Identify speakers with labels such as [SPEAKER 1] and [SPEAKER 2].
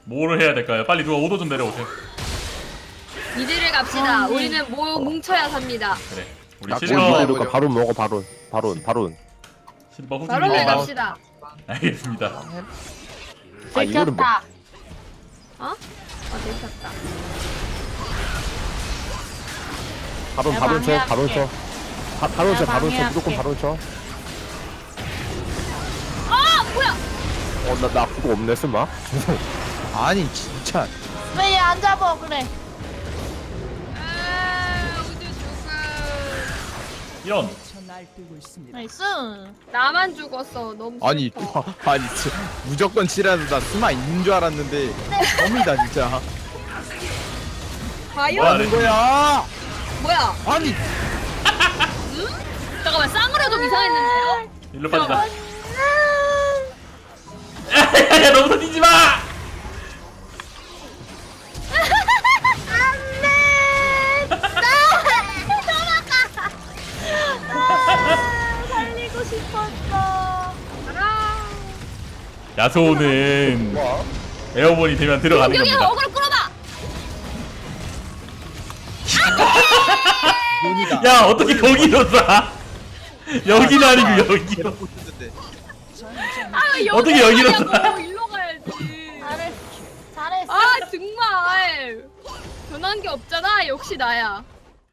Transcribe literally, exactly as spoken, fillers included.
[SPEAKER 1] 뭐를 해야 될까요? 빨리 누가 오도 좀 내려오세요.
[SPEAKER 2] 이대를 갑시다. 우리는 모 뭉쳐야 삽니다.
[SPEAKER 1] 그래. 우리
[SPEAKER 3] 나
[SPEAKER 1] 실버
[SPEAKER 3] 꼴찌 이러니까 바론 먹어 바론 바론 바론.
[SPEAKER 1] 실버 후기.
[SPEAKER 2] 바로 해
[SPEAKER 3] 아,
[SPEAKER 2] 갑시다.
[SPEAKER 1] 알겠습니다.
[SPEAKER 3] 아 이거는 뭐?
[SPEAKER 2] 들켰다. 어? 어 들켰다.
[SPEAKER 3] 바론
[SPEAKER 4] 내가
[SPEAKER 3] 바론 쳐
[SPEAKER 4] 방해할게.
[SPEAKER 3] 바론 쳐. 바, 바론 쳐
[SPEAKER 4] 내가
[SPEAKER 3] 바론 쳐
[SPEAKER 4] 방해할게.
[SPEAKER 3] 무조건 바론 쳐.
[SPEAKER 2] 아 뭐야?
[SPEAKER 3] 어나 나 그거 없네 쓸마.
[SPEAKER 5] 아니 진짜
[SPEAKER 4] 왜 얘 안 잡아 그래?
[SPEAKER 2] 아 우주 죽음.
[SPEAKER 1] 이런.
[SPEAKER 4] 나이스.
[SPEAKER 2] 나만 죽었어. 너무
[SPEAKER 5] 아니
[SPEAKER 2] 슬퍼.
[SPEAKER 5] 아니 진짜 무조건 치라도 나 스마 있는 줄 알았는데 껌이다 진짜
[SPEAKER 2] 과연?
[SPEAKER 1] 뭐야,
[SPEAKER 5] 하는 거야
[SPEAKER 2] 뭐야?
[SPEAKER 5] 아니
[SPEAKER 2] 잠깐만 쌍으로 좀 이상했는데요?
[SPEAKER 1] 일로 빠지자. 야야야 너부터 뛰지 마.
[SPEAKER 4] 살리고 싶었어.
[SPEAKER 1] 야소는
[SPEAKER 3] 뭐?
[SPEAKER 1] 에어본이 되면 들어가는
[SPEAKER 2] 여기
[SPEAKER 1] 겁니다.
[SPEAKER 2] 어그로 끌어봐.
[SPEAKER 5] 눈이다
[SPEAKER 1] 야 어떻게 거기로 쏴? 여기는 아니고 여기로.
[SPEAKER 5] 꽂혔는데.
[SPEAKER 2] 아 여기
[SPEAKER 1] 어떻게 여기로
[SPEAKER 2] 가냐고.
[SPEAKER 1] 쏴?
[SPEAKER 2] 일로 가야지.
[SPEAKER 4] 잘했어. 잘했어.
[SPEAKER 2] 아 정말 변한 게 없잖아. 역시 나야.